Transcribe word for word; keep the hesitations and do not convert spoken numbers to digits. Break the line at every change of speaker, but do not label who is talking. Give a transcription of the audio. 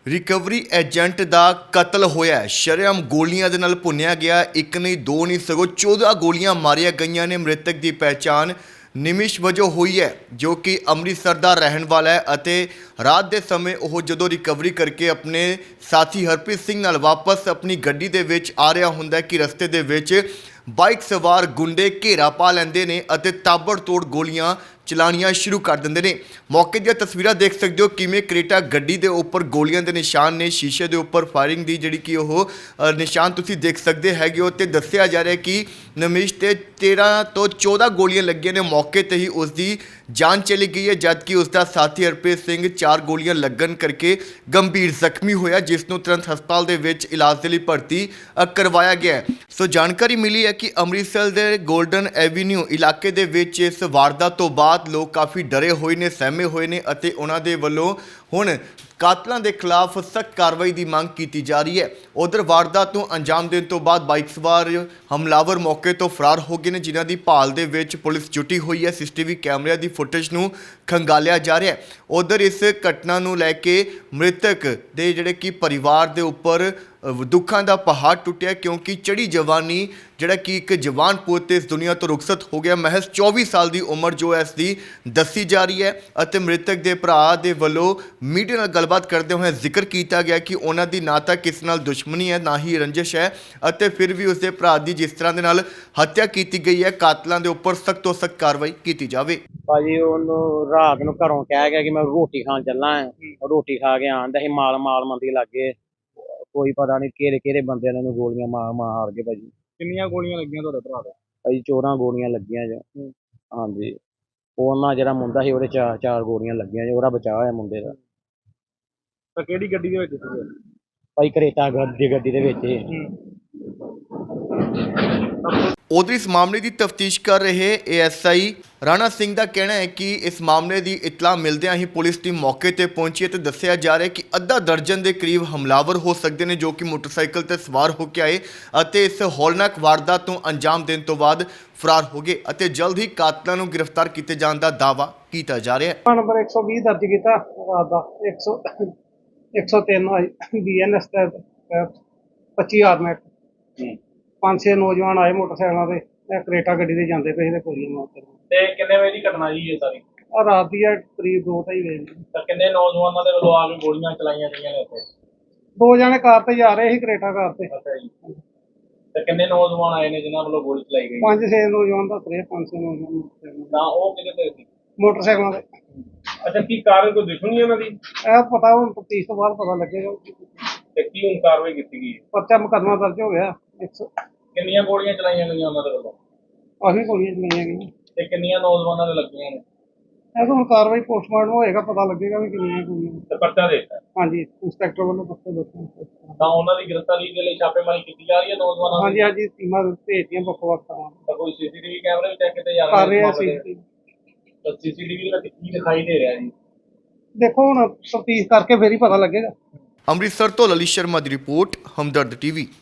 Recovery agent का कतल होया है। शरेआम गोलियां दे नाल भुन्निया गया। एक नहीं दो नहीं सगों चौदह गोलियां मारिया गईयां ने। मृतक की पहचान निमिश वजों हुई है, जो कि अमृतसर का रहन वाला है। अते रात के समय वह जदों रिकवरी करके अपने साथी हरप्रीत सिंह नाल वापस अपनी गड्डी दे विच आ रहा हुंदा कि रस्ते दे विच बाइक सवार गुंडे घेरा पा लैंदे ने अते ताबड़तोड़ गोलियां चलानियां शुरू कर देंदे ने। मौके दी तस्वीरां देख सकते हो किवें क्रेटा गड्डी दे उपर गोलियां दे निशान ने। शीशे दे उपर फायरिंग दी जिहड़ी कि ओह निशान तुसीं देख सकते हैगे हो। ते दस्सिया जा रहा है कि नमिश ते तेरह तो चौदह गोलियां लगियां ने। मौके ते ही उसकी जान चली गई है, जबकि उसका साथी हरप्रीत सिंह चार गोलियां लगन करके गंभीर जख्मी होया, जिसनों तुरंत हस्पताल दे विच इलाज के लिए भर्ती करवाया गया है। सो जानकारी मिली है कि अमृतसर के गोल्डन एवेन्यू इलाके दे विच इस वारदात तो बाद लोग काफ़ी डरे हुए ने, सहमे हुए ने अते उन्हां दे वल्लों हुण कातलों के खिलाफ सख्त कार्रवाई की मांग की जा रही है। उधर वारदात को अंजाम देने तो बाद बाइक सवार हमलावर मौके तो फरार हो गए हैं, जिन्हों की भाल दे विच पुलिस जुटी हुई है। सीसीटीवी कैमरे की फुटेज को खंगालिया जा रहा है। उधर इस घटना को लैके मृतक के जिहड़े कि परिवार के उपर दुखों का पहाड़ टुटिया, क्योंकि चढ़ी जवानी जिहड़ा कि एक जवान पुत इस दुनिया तो रुखसत हो गया। महज चौबीस साल की उम्र जो है इसकी दसी जा रही है। अते मृतक के भरा के वलों मीडिया नाल गलबात करते हुए जिक्र किया गया कि उन्हों की ना तो किसी नाल दुश्मनी है, ना ही रंजिश है, अते फिर भी उसके भरा की जिस तरह के नाल हत्या की गई है, कातलों के उपर सख्त तो सख्त कार्रवाई की जाए।
भाजी ਉਹਨੂੰ ਰਾਤ ਨੂੰ ਘਰੋਂ ਕਹਿ ਗਿਆ ਕਿ ਮੈਂ ਰੋਟੀ ਖਾਣ ਚੱਲਾਂ ਹਾਂ। ਰੋਟੀ ਖਾ ਕੇ ਆਂਦਾ ਸੀ, ਮਾਲ ਮਾਲ ਮੰਦੀ ਲੱਗੇ ਕੋਈ ਪਤਾ ਨਹੀਂ ਕਿਹੜੇ ਕਿਹੜੇ ਬੰਦਿਆਂ ਨੇ ਉਹਨੂੰ ਗੋਲੀਆਂ ਮਾਰ ਮਾਰ ਕੇ ਭਾਜੀ।
ਕਿੰਨੀਆਂ ਗੋਲੀਆਂ ਲੱਗੀਆਂ ਤੁਹਾਡੇ ਭਰਾ ਦੇ?
ਭਾਜੀ ਚੌਦਾਂ ਗੋਲੀਆਂ ਲੱਗੀਆਂ ਜੀ। ਹਾਂਜੀ, ਉਹਨਾਂ ਜਿਹੜਾ ਮੁੰਡਾ ਸੀ ਉਹਦੇ ਚਾਰ ਚਾਰ ਗੋਲੀਆਂ ਲੱਗੀਆਂ ਜੀ। ਉਹਦਾ ਬਚਾਅ ਹੋਇਆ ਮੁੰਡੇ ਦਾ।
ਤਾਂ ਕਿਹੜੀ ਗੱਡੀ ਦੇ ਵਿੱਚ ਸੀਗੇ?
ਭਾਈ ਕਰੇਟਾ ਗੱਡੀ ਗੱਡੀ ਦੇ ਵਿੱਚ ਹੀ।
उधर इस मामले की तफ्तीश कर रहे A S I Rana Singh का कहना है कि इस मामले की इतला मिलद्या ही पुलिस टीम मौके पर पहुंची है। तो दस्सिया जा रहा है कि अद्धा दर्जन के करीब हमलावर हो सकते हैं, जो कि मोटरसाइकिल पर सवार होकर आए और इस हौलनाक वारदात को अंजाम देने तो बाद फरार हो गए और जल्द ही कातलों को गिरफ्तार किए जाने का दावा किया जा रहा है।
नंबर एक सौ बीस दर्ज किया रात का। एक सौ एक सौ तीन बी एन एस पच्ची आर्मेट पांच छे नौजवान आए मोटरसाइकिलों से करेटा गड्डी से जाते पे थे। गोलियां मारते
ਤੇ ਕਿੰਨੇ ਵਜੇ ਦੀ ਘਟਨਾ ਜੀ ਇਹ ਸਾਰੀ?
और रात की करीब दो ढाई बजे
ਤਾਂ ਕਿੰਨੇ ਨੌਜਵਾਨਾਂ ਦੇ ਵੱਲੋਂ ਆ ਕੇ ਗੋਲੀਆਂ ਚਲਾਈਆਂ ਗਈਆਂ ਨੇ ਉੱਥੇ?
दो जने कार से जा रहे थे, करेटा कार से।
ਅੱਛਾ ਜੀ। ਤੇ ਕਿੰਨੇ ਨੌਜਵਾਨ ਆਏ ਨੇ ਜਿਨ੍ਹਾਂ ਵੱਲੋਂ ਗੋਲੀ ਚਲਾਈ ਗਈ?
पांच छे नौजवान दस रहे, पांच छे नौजवान मोटरसाइकिल
ਤਾਂ ਉਹ ਕਿਹਦੇ ਤੇ ਸੀ?
मोटरसाइकिलों से।
ਅੱਛਾ, ਕੀ ਕਾਰਨ ਕੋਈ ਦੁਸ਼ਮਣੀ ਉਹਨਾਂ ਦੀ?
यह पता हूँ तफ्तीश तो बाद पता लगेगा।
ਤੇ ਕੀ ਹੁਣ ਕਾਰਵਾਈ ਕੀਤੀ ਗਈ ਹੈ?
पर्चा मुकदमा दर्ज हो गया। एक सौ
ਕਿੰਨੀਆਂ ਗੋਲੀਆਂ ਚਲਾਈਆਂ ਗਈਆਂ ਉਹਨਾਂ ਦੇ ਵੱਲੋਂ
काफी गोलियां चलाइया गई।
ਤੇ ਕਿੰਨੀਆਂ ਨੌਜਵਾਨਾਂ ਦੇ ਲੱਗੀਆਂ ਨੇ?
ਇਹ ਤਾਂ ਹੁਣ ਕਾਰਵਾਈ ਪੋਸਟਮਾਰਟਮ ਹੋਏਗਾ, ਪਤਾ ਲੱਗੇਗਾ ਵੀ ਕਿੰਨੀਆਂ ਗੋਲੀਆਂ।
ਤੇ ਪਰਚਾ ਦੇ ਦਿੱਤਾ?
ਹਾਂਜੀ, ਇੰਸਪੈਕਟਰ ਵੱਲੋਂ ਪੱਕੇ ਦੱਸੋ।
ਤਾਂ ਉਹਨਾਂ ਦੀ ਗ੍ਰਿਫਤਾਰੀ ਦੇ ਲਈ ਛਾਪੇਮਾਰੀ ਕੀਤੀ ਜਾ ਰਹੀ ਹੈ ਨੌਜਵਾਨਾਂ
ਹਾਂਜੀ
ਦੀ?
ਹਾਂਜੀ, ਟੀਮਾਂ ਭੇਜਦੀਆਂ ਵੱਖ ਵੱਖ ਥਾਵਾਂ
ਤਾਂ ਕੋਈ ਸੀਸੀਟੀਵੀ ਕੈਮਰੇ ਵੀ ਚੈੱਕ ਕੀਤੇ ਜਾ
ਕਰ
ਰਹੇ
ਰਹੇ ਆ।
ਨੇ?
ਸੀ
ਤਾਂ ਸੀਸੀਟੀਵੀ ਵਿੱਚ ਕੀ ਦਿਖਾਈ ਦੇ ਰਿਹਾ ਜੀ?
ਦੇਖੋ ਹੁਣ ਤਫਤੀਸ਼ ਕਰਕੇ ਫੇਰ ਹੀ ਪਤਾ ਲੱਗੇਗਾ।
अमृतसर तो ललित शर्मा की रिपोर्ट, हमदर्द टीवी।